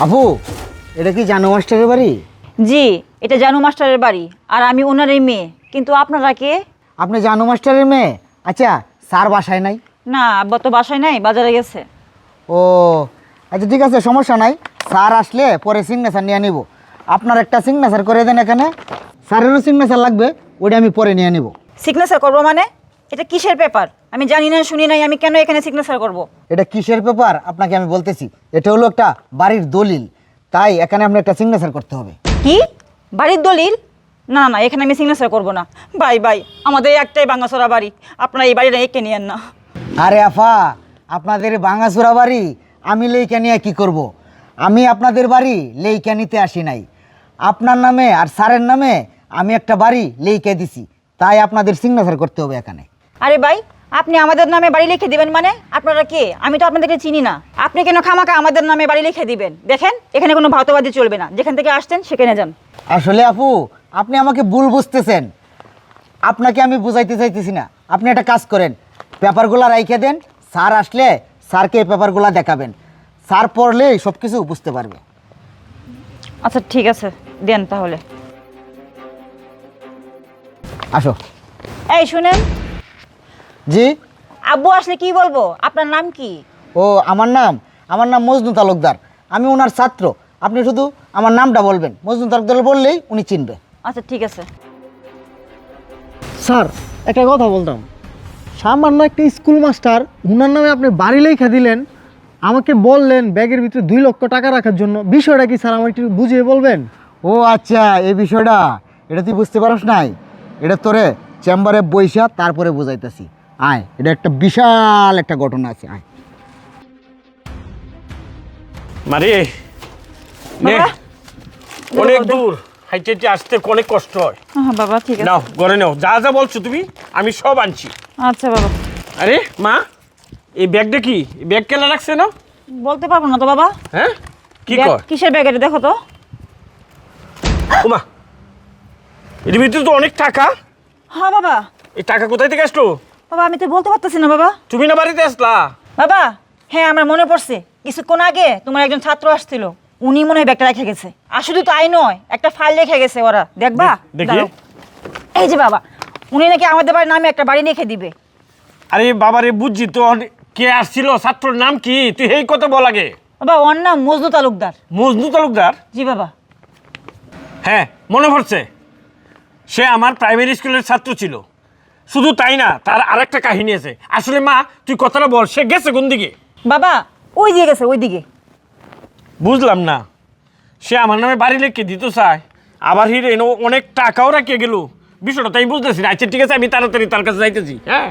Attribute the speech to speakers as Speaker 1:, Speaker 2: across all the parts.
Speaker 1: আপু, এটা কি জানু মাস্টারের বাড়ি?
Speaker 2: জি, এটা জানু মাস্টারের বাড়ি আর আমি ওনারই মেয়ে। কিন্তু আপনারা কে?
Speaker 1: আপনি জানু মাস্টারের মেয়ে? আচ্ছা, স্যার বাসায় নাই?
Speaker 2: না, আব্বা তো বাসায় নাই, বাজারে গেছে।
Speaker 1: ও আচ্ছা, ঠিক আছে, সমস্যা নাই। স্যার আসলে পরে সিগনেচার নিয়ে নিব। আপনার একটা সিগনেচার করে দেন এখানে। স্যারেরও সিগনেচার লাগবে, ওটা আমি পরে নিয়ে নিব।
Speaker 2: সিগনেচার করবো মানে? এটা কিসের পেপার? আমি জানি না, শুনি নাই, আমি কেন এখানে সিগনেচার করব?
Speaker 1: এটা কিসের পেপার আপনাকে আমি বলতেছি। এটা হলো একটা বাড়ির দলিল, তাই এখানে আপনি একটা সিগনেচার করতে হবে।
Speaker 2: কি? বাড়ির দলিল? না না, এখানে আমি সিগনেচার করব না। বাই বাই, আমাদের একটাই ভাঙাচোরা বাড়ি, আপনারা এই বাড়িটা একে নিয়েন না।
Speaker 1: আরে আফা, আপনাদের ভাঙাচোরা বাড়ি আমি লেইকা নিয়ে কি করব? আমি আপনাদের বাড়ি লেইকা নিতে আসি নাই। আপনার নামে আর স্যারের নামে আমি একটা বাড়ি লেইকা দিছি, তাই আপনাদের সিগনেচার করতে হবে এখানে।
Speaker 2: আরে ভাই, আপনি আমাদের নামে বাড়ি লিখে দিবেন মানে? আপনারা কে? আমি তো আপনাদেরকে চিনি না। আপনি কেন খামাকা আমাদের নামে বাড়ি লিখে দিবেন? দেখেন, এখানে কোনো ভাওতাবাদী চলবে না। যেখান থেকে আসছেন সেখানে যান।
Speaker 1: আসলে আপু, আপনি আমাকে ভুল বুঝতেছেন। আপনাকে আমি বুঝাইতে চাইতেছি না। আপনি একটা কাজ করেন, পেপারগুলো রাইখে দেন। স্যার আসলে স্যারকে এই পেপারগুলো দেখাবেন। স্যার পড়লেই সব কিছু বুঝতে পারবে।
Speaker 2: আচ্ছা ঠিক আছে, দেন তাহলে।
Speaker 1: আসো।
Speaker 2: এই শুনেন,
Speaker 1: জি।
Speaker 2: আব্বু আসলে কি বলবো? আপনার নাম কি?
Speaker 1: ও, আমার নাম মজনু তালুকদার। আমি ওনার ছাত্র। আপনি শুধু আমার নামটা বলবেন, মজনু তালুকদার বললেই উনি চিনবে।
Speaker 2: আচ্ছা ঠিক আছে।
Speaker 3: স্যার, একটা কথা বলতাম। সামান্য একটা স্কুল মাস্টার, উনার নামে আপনি বাড়ি লেখা দিলেন, আমাকে বললেন ব্যাগের ভিতরে 2 লক্ষ টাকা রাখার জন্য। বিষয়টা কি স্যার, আমার একটু বুঝিয়ে বলবেন?
Speaker 1: ও আচ্ছা, এই বিষয়টা এটা তুই বুঝতে পারস নাই? এটা তোরে চেম্বারে বইসা তারপরে বুঝাইতেছি। আয়, এটা একটা বিশাল একটা ঘটনা আছে। আয়।
Speaker 4: মারে নে,
Speaker 2: বাবা,
Speaker 4: অনেক
Speaker 2: বাবা,
Speaker 4: দূর হাইটে হাইটে আসতে অনেক কষ্ট হয়।
Speaker 2: হ্যাঁ বাবা, ঠিক আছে।
Speaker 4: নাও ঘরে নাও, যা যা বলছো তুমি আমি সব আনছি।
Speaker 2: আচ্ছা বাবা।
Speaker 4: আরে মা, এই ব্যাগটা কি? এই ব্যাগ কেনা রাখছে না?
Speaker 2: বলতে পারবো না তো বাবা।
Speaker 4: হ্যাঁ, কি
Speaker 2: ব্যাগ-
Speaker 4: কর?
Speaker 2: কিসের ব্যাগ এটা দেখো তো।
Speaker 4: ওমা, এর ভিতরে তো অনেক টাকা।
Speaker 2: হ্যাঁ বাবা।
Speaker 4: এই টাকা কোথায় থেকে আসলো?
Speaker 2: বাবা, আমি তো বলতে পারতেছি না বাবা।
Speaker 4: তুমি না বাড়িতে আসলা?
Speaker 2: বাবা, হ্যাঁ আমার মনে পড়ছে। কিছুক্ষণ আগে তোমার একজন ছাত্র আসছিল, উনি মনে হয় ব্যাগটা রেখে গেছে। আর শুধু তাই নয়, একটা ফাইল রেখে গেছে ওরা, দেখবা?
Speaker 4: দেখি।
Speaker 2: দাঁড়াও। এই যে বাবা, উনি নাকি আমাদের বাড়ির নামে একটা বাড়ি লিখে দিবে।
Speaker 4: আরে বাবারে, বুঝছি তো। কে আসছিল? ছাত্রর নাম কি? তুই এই কথা বল আগে।
Speaker 2: বাবা, ওর নাম মজনু তালুকদার।
Speaker 4: মজনু তালুকদার?
Speaker 2: জি বাবা।
Speaker 4: হ্যাঁ, মনে পড়ছে। সে আমার প্রাইমারি স্কুলের ছাত্র ছিল। শুধু তাই না, তার আরেকটা কাহিনী আছে। আসলে মা, তুই কথাটা বল, সে গেছে কোন দিকে?
Speaker 2: বাবা, ওই দিকে গেছে, ওই দিকে।
Speaker 4: বুঝলাম না। সে আমার নামে বাড়ি লিখে দিতে চায়, আবার হিরে অনেক টাকাও রাখিয়ে গেল। বিষয়টা তাই বুঝতেছি না। আচ্ছা ঠিক আছে, আমি তাড়াতাড়ি তার কাছে যাইতেছি। হ্যাঁ,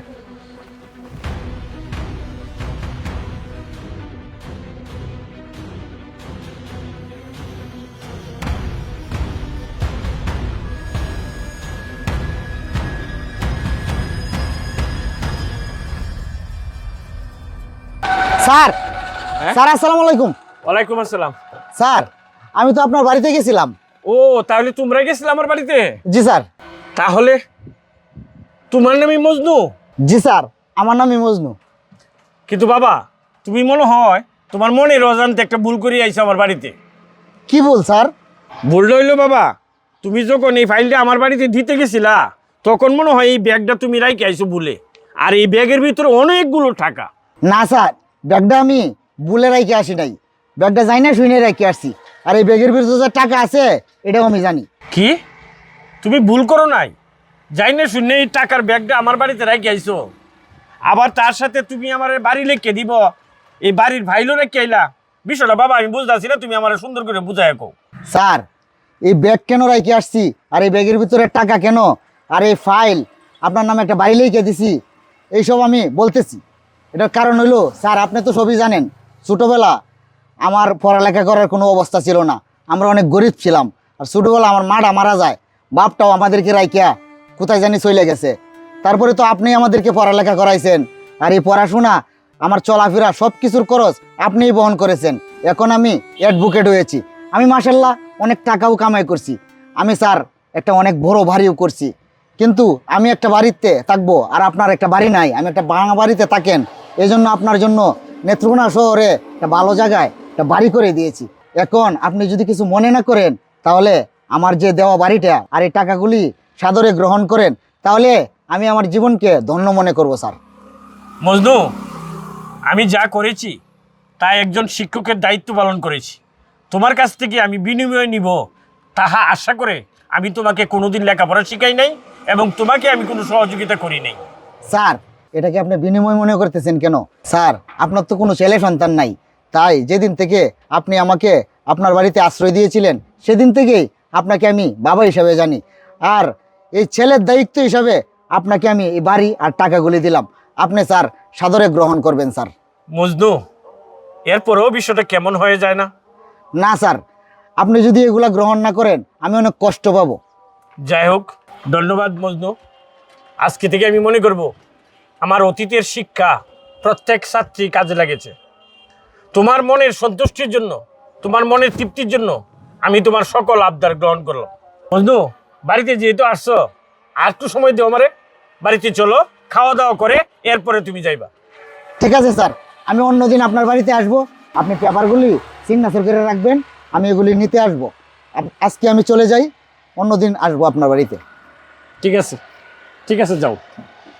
Speaker 1: স্যার,
Speaker 4: হ্যাঁ?
Speaker 1: স্যার আসসালামু আলাইকুম।
Speaker 4: ওয়ালাইকুম আসসালাম।
Speaker 1: স্যার, আমি তো আপনার বাড়িতে গেছিলাম।
Speaker 4: ও, তাহলে তোমরা গেছিলে আমার বাড়িতে?
Speaker 1: জি স্যার।
Speaker 4: তাহলে তোমার নামই মজনু?
Speaker 1: জি স্যার, আমার নামই মজনু।
Speaker 4: কিন্তু বাবা, তুমি মনে হয় তোমার মনে অজান্তে একটা ভুল করে আইছো আমার বাড়িতে।
Speaker 1: কি বল স্যার?
Speaker 4: ভুল হইলো বাবা, তুমি যখন এই ফাইলটা আমার বাড়িতে দিতে গেছিলা, তখন মনে হয় এই ব্যাগটা তুমি রাইখে আইছো ভুলে। আর এই ব্যাগের ভিতরে অনেকগুলো টাকা।
Speaker 1: না স্যার, ব্যাগটা আমি ভুলে রেখে আসি নাই। ব্যাগটা যাই না শুনে রেখে আসছি। আর এই ব্যাগের ভিতরে যে টাকা আছে এটাও আমি জানি।
Speaker 4: কি? তুমি ভুল করো নাই? যাই না শুনে এই টাকার ব্যাগটা আমার বাড়িতে রেখে আইছো। আবার তার সাথে তুমি আমার বাড়ি লিখে দিব, এই বাড়ির ভাইলও রেখে আইলা। বিষয়টা বাবা আমি বুঝতেছি না, তুমি আমার সুন্দর করে বুঝাই কও।
Speaker 1: স্যার, এই ব্যাগ কেন রেখে আসছি, আর এই ব্যাগের ভিতরে টাকা কেন, আর এই ফাইল আপনার নামে একটা বাড়ি লিখে দিছি, এইসব আমি বলতেছি। এটার কারণ হইলো স্যার, আপনি তো সবই জানেন, ছোটোবেলা আমার পড়ালেখা করার কোনো অবস্থা ছিল না। আমরা অনেক গরিব ছিলাম। আর ছোটোবেলা আমার মাটা মারা যায়, বাপটাও আমাদেরকে রাইখিয়া কোথায় জানি চলে গেছে। তারপরে তো আপনি আমাদেরকে পড়ালেখা করাইছেন। আর এই পড়াশোনা, আমার চলাফেরা সব কিছুর খরচ আপনিই বহন করেছেন। এখন আমি অ্যাডভোকেট হয়েছি। আমি মাশাল্লাহ অনেক টাকাও কামাই করছি। আমি স্যার একটা অনেক বড় বাড়িও করছি। কিন্তু আমি একটা বাড়িতে থাকবো, আর আপনার একটা বাড়ি নাই। আমি একটা ভাঙা বাড়িতে থাকেন, এই জন্য আপনার জন্য নেত্রকোনা শহরে একটা ভালো জায়গায় একটা বাড়ি করে দিয়েছি। এখন আপনি যদি কিছু মনে না করেন তাহলে আমার যে দেওয়া বাড়িটা আর এই টাকাগুলি সাদরে গ্রহণ করেন, তাহলে আমি আমার জীবনকে ধন্য মনে করব স্যার।
Speaker 4: মজনু, আমি যা করেছি তা একজন শিক্ষকের দায়িত্ব পালন করেছি। তোমার কাছ থেকে আমি বিনিময় নিব তাহা আশা করে আমি তোমাকে কোনোদিন লেখাপড়া শিখাই নাই এবং তোমাকে আমি কোনো সহযোগিতা করি নাই।
Speaker 1: স্যার, এটাকে আপনি বিনিময় মনে করতেছেন কেন? স্যার, আপনার তো কোনো ছেলে সন্তান নাই, তাই যেদিন থেকে আপনি আমাকে আপনার বাড়িতে আশ্রয় দিয়েছিলেন সেদিন থেকেই আপনাকে আমি বাবা হিসাবে জানি। আর এই ছেলের দায়িত্ব হিসাবে আপনাকে আমি এই বাড়ি আর টাকাগুলি দিলাম, আপনি স্যার সাদরে গ্রহণ করবেন স্যার।
Speaker 4: মজনু, এরপরেও বিষয়টা কেমন হয়ে যায় না?
Speaker 1: না স্যার, আপনি যদি এগুলা গ্রহণ না করেন আমি অনেক কষ্ট পাবো।
Speaker 4: যাই হোক, ধন্যবাদ মজনু। আজকে থেকে আমি মনে করব আমার অতীতের শিক্ষা প্রত্যেক ছাত্রী কাজে লাগেছে। তোমার মনের সন্তুষ্টির জন্য, তোমার মনের তৃপ্তির জন্য আমি তোমার সকল আবদার গ্রহণ করলাম। মজনু, বাড়িতে যেহেতু আসছো, আর একটু সময় দিও আমারে। বাড়িতে চলো, খাওয়া দাওয়া করে এরপরে তুমি যাইবা।
Speaker 1: ঠিক আছে স্যার, আমি অন্যদিন আপনার বাড়িতে আসব, আপনি পেপারগুলি সিগনেচার করে রাখবেন, আমি এগুলি নিতে আসব। আজকে আমি চলে যাই, অন্যদিন আসবো আপনার বাড়িতে।
Speaker 4: ঠিক আছে, ঠিক আছে, যাও।